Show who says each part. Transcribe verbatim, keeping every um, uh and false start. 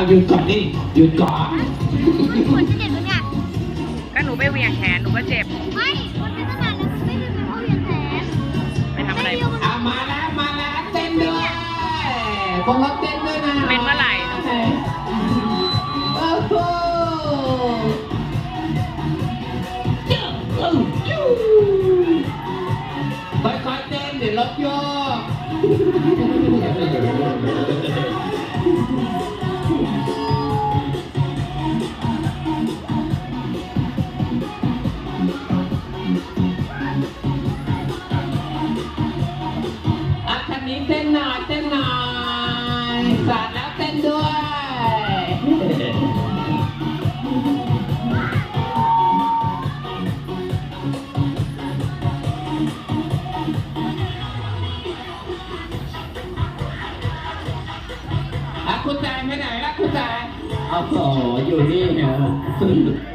Speaker 1: หยุดก่อนดิหยุดก่อน
Speaker 2: มันจะเจ็บหรือไง
Speaker 3: ก็หนูไปเหวี่ยงแขนหนูก็เจ็บ
Speaker 2: ไม่มันเป็นตั้งนานแล้วมันไม่เป็นเพราะเหวี่ยงแขน
Speaker 3: ไปทำอะไร
Speaker 1: อ่ะมาแล้วมาแล้วเต้นด้วยพวกเราเต้นด้วยนะ
Speaker 3: เป็นเมื่อไหร่
Speaker 1: โอ้โหค่อยๆเต้นเดี๋ยวรถโยกอ่ะคันนี้เต้นหน่อยเต้นหน่อยสาดแล้วเต้นด้วยคุณแจงไปไหนล่ะคุณแจงโอ้โหอยู่นี่เหรอ